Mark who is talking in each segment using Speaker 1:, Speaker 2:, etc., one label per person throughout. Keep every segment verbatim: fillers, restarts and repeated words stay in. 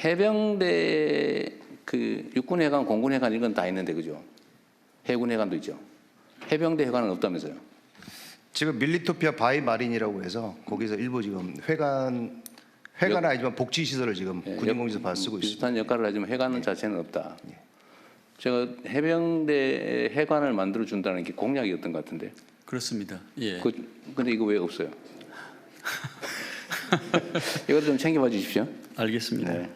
Speaker 1: 해병대 그 육군해관, 공군해관 이건 다 있는데 그죠? 해군해관도 있죠. 해병대 해관은 없다면서요?
Speaker 2: 지금 밀리토피아 바이 마린이라고 해서 거기서 일부 지금 회관 회관은 아니지만 복지 시설을 지금
Speaker 1: 예,
Speaker 2: 군인공지에서 봐
Speaker 1: 역-
Speaker 2: 쓰고 있습니다.
Speaker 1: 비슷한 역할을 하지만 해관
Speaker 2: 예.
Speaker 1: 자체는 없다.
Speaker 2: 예.
Speaker 1: 제가 해병대 해관을 만들어 준다는 게 공약이었던 것 같은데.
Speaker 3: 그렇습니다. 예.
Speaker 1: 그, 근데 이거 왜 없어요? 이거 좀 챙겨봐 주십시오.
Speaker 3: 알겠습니다.
Speaker 1: 네.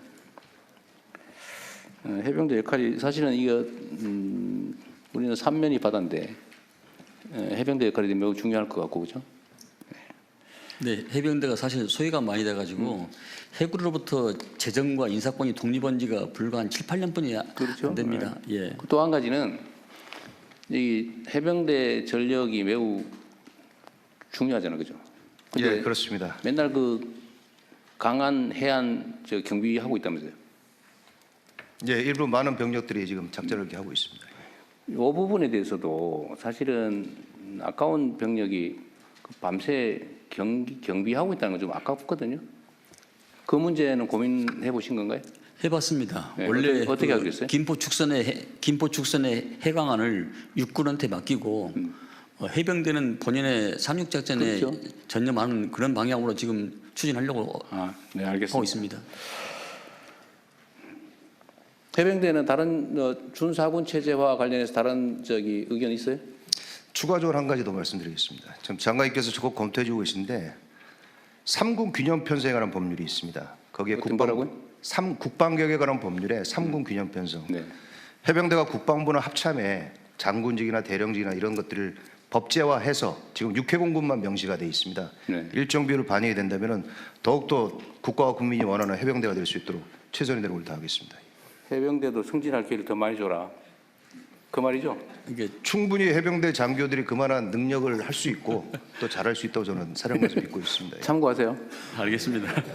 Speaker 1: 어, 해병대 역할이 사실은 이거 음, 우리는 삼면이 바다인데 어, 해병대 역할이 매우 중요할 것 같고 그죠?
Speaker 3: 네, 해병대가 사실 소외가 많이 돼가지고
Speaker 1: 음.
Speaker 3: 해군으로부터 재정과 인사권이 독립한 지가 불과 한 칠, 팔 년뿐이
Speaker 1: 그렇죠.
Speaker 3: 안 됩니다. 예.
Speaker 1: 또 한 가지는 이 해병대 전력이 매우 중요하잖아요, 그죠? 근데
Speaker 2: 예, 그렇습니다.
Speaker 1: 맨날 그 강한 해안 저 경비하고 있다면서요?
Speaker 2: 예, 일부 많은 병력들이 지금 작전을 이렇게 하고 있습니다.
Speaker 1: 이 부분에 대해서도 사실은 아까운 병력이 그 밤새 경기, 경비하고 있다는 건 좀 아깝거든요. 그 문제는 고민해 보신 건가요?
Speaker 3: 해봤습니다.
Speaker 1: 네,
Speaker 3: 원래
Speaker 1: 어떻게- 어떻게 하고 있어요?
Speaker 3: 김포 축선의 해, 김포 축선의 해강안을 육군한테 맡기고
Speaker 1: 음.
Speaker 3: 어, 해병대는 본연의 상륙 작전에
Speaker 1: 그렇죠.
Speaker 3: 전념하는 그런 방향으로 지금 추진하려고
Speaker 1: 아, 네,
Speaker 3: 하고
Speaker 1: 알겠습니다.
Speaker 3: 있습니다.
Speaker 1: 해병대는 다른 어, 준사군 체제와 관련해서 다른 저기 의견 있어요?
Speaker 2: 추가적으로 한 가지 더 말씀드리겠습니다. 지금 장관님께서 적극 검토해주고 계신데 삼군 균형 편성에 관한 법률이 있습니다. 거기에
Speaker 1: 어떤 거라고요?
Speaker 2: 삼 국방개혁에 관한 법률에 삼군 균형 편성.
Speaker 1: 네.
Speaker 2: 해병대가 국방부는 합참에 장군직이나 대령직이나 이런 것들을 법제화해서 지금 육해공군만 명시가 돼 있습니다.
Speaker 1: 네.
Speaker 2: 일정 비율을 반영이 된다면 더욱더 국가와 국민이 원하는 해병대가 될 수 있도록 최선의 노력을 다하겠습니다.
Speaker 1: 해병대도 승진할 기회를 더 많이 줘라. 그 말이죠?
Speaker 3: 이게
Speaker 2: 충분히 해병대 장교들이 그만한 능력을 할 수 있고 또 잘할 수 있다고 저는 사령관에서 믿고 있습니다.
Speaker 1: 참고하세요.
Speaker 3: 알겠습니다.